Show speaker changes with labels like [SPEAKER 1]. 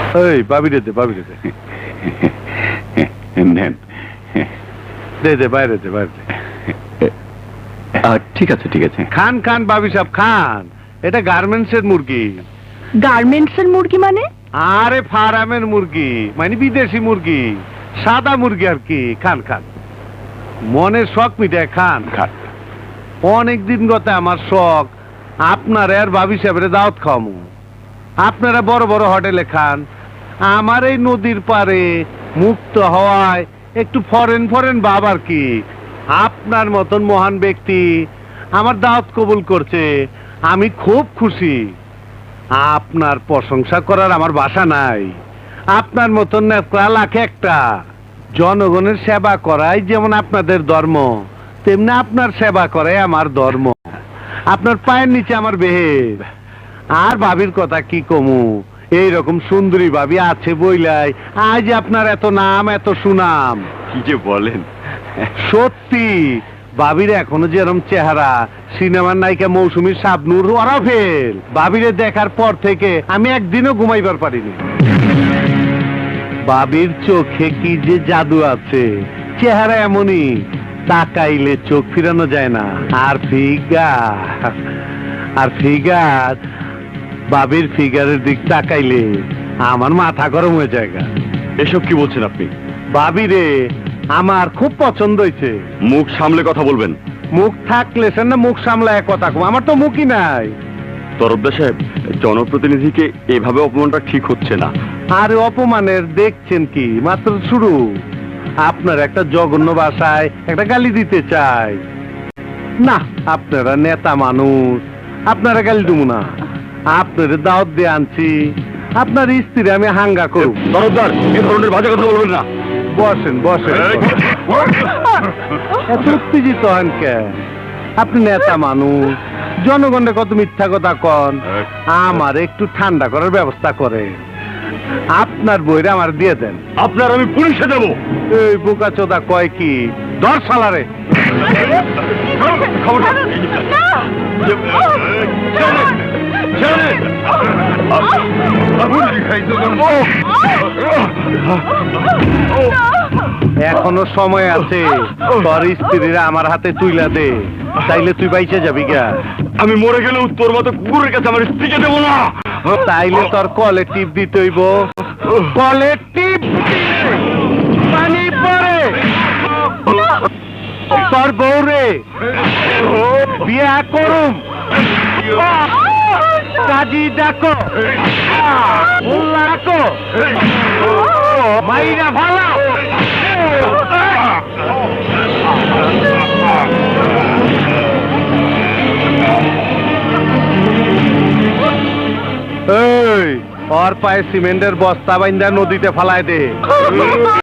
[SPEAKER 1] এই বাবি রে দে, বাবি রে দে।
[SPEAKER 2] নেন।
[SPEAKER 1] দে দে, বাইরে দে, বাইরে দে।
[SPEAKER 2] ঠিক আছে ঠিক আছে।
[SPEAKER 1] খান খান বাবি সাহেব খান, এটা গার্মেন্টস এর মুরগি।
[SPEAKER 3] গার্মেন্টস এর মুরগি মানে?
[SPEAKER 1] আরে ফার্মের মুরগি, মানে বিদেশি মুরগি, সাদা মুরগি আর কি। খান খান, মনের শখ মিটায় খান খান। অনেকদিন গত আমার শখ আপনার আর বাবি সাহেবের দাওয়াত খাওয়ামু। আপনারা বড় বড় হোটেলে খান, আমার এই নদীর পারে মুক্ত হওয়ায় একটু ফরেন ফরেন ভাব আর কি। আপনার মতন মহান ব্যক্তি আমার দাওয়াত কবুল করছে, আমি খুব খুশি। আপনার প্রশংসা করার আমার ভাষা নাই। আপনার মতন নেতা লাখে একটা। জনগণের সেবা করাই যেমন আপনাদের ধর্ম, তেমনি আপনার সেবা করাই আমার ধর্ম। আপনার পায়ের নিচে আমার বেহের। আর ভাবির কথা কি কমু, এইরকম সুন্দরী ভাবি আছে বইলাই আজ আপনার এত নাম এত সুনাম।
[SPEAKER 2] কি যে বলেন!
[SPEAKER 1] সত্যি ভাবির এখনো যেরকম চেহারা, সিনেমার নায়িকা মৌসুমী শাবনূর ওরা ফেল। ভাবিরে দেখার পর থেকে আমি একদিনও ঘুমাইবার পারিনি। ভাবির চোখে কি যে জাদু আছে, চেহারা এমনই, তাকাইলে চোখ ফিরানো যায় না। আর ফিগার ভাবির ফিগারের দিক তাকাইলে আমার মাথা গরম হয়ে যায়।
[SPEAKER 2] এসব কি বলছেন আপনি?
[SPEAKER 1] ভাবি রে আমার খুব পছন্দ হয়েছে।
[SPEAKER 2] মুখ সামলে কথা বলবেন।
[SPEAKER 1] মুখ থাকলে সে না মুখ সামলায় কথা কম, আমার তো মুখই নাই।
[SPEAKER 2] তরফদার সাহেব, জনপ্রতিনিধিকে এভাবে অপমানটা ঠিক হচ্ছে না।
[SPEAKER 1] আরে অপমানের দেখছেন কি, মাত্র শুরু। আপনার একটা জঘন্য ভাষায় একটা গালি দিতে চাই না। আপনারা নেতা মানুষ, আপনারা গালি দেবো না। আপনার দাওয়াত দিয়ে আনছি, আপনার স্ত্রী আমি হাঙ্গা করব।
[SPEAKER 2] তরফদার, এ ধরনের বাজে কথা বলবেন না।
[SPEAKER 1] বসেন বসেন। এত উত্তেজিত হন কেন? আপনি নেতা মানুষ, জনগণের কত মিথ্যা কথা কন। আমার একটু ঠান্ডা করার ব্যবস্থা করে আপনার বইরা আমার দিয়ে দেন।
[SPEAKER 2] আপনার আমি পুলিশে দেব।
[SPEAKER 1] এই বোকা চোদা কয় কি, দর সালারে। এখনো সময় আছে, তোর স্ত্রীরা আমার হাতে তুইলা দে, তাইলে তুই বাইচে যাবি গা।
[SPEAKER 2] আমি মরে গেলেও তোর মতো কুকুরের কাছে আমার স্ত্রীকে দেবো না।
[SPEAKER 1] তাইলে তোর কলে টিপ দিতে হইব। কলে টিপ পানি পরে তোর বউরে বিয়া করুম। কাজী ডাকো, মোল্লা ডাকো, মাইরা ভালা। এই ওর পায়ে সিমেন্টের বস্তা বাইন্দা নদীতে ফালায় দে।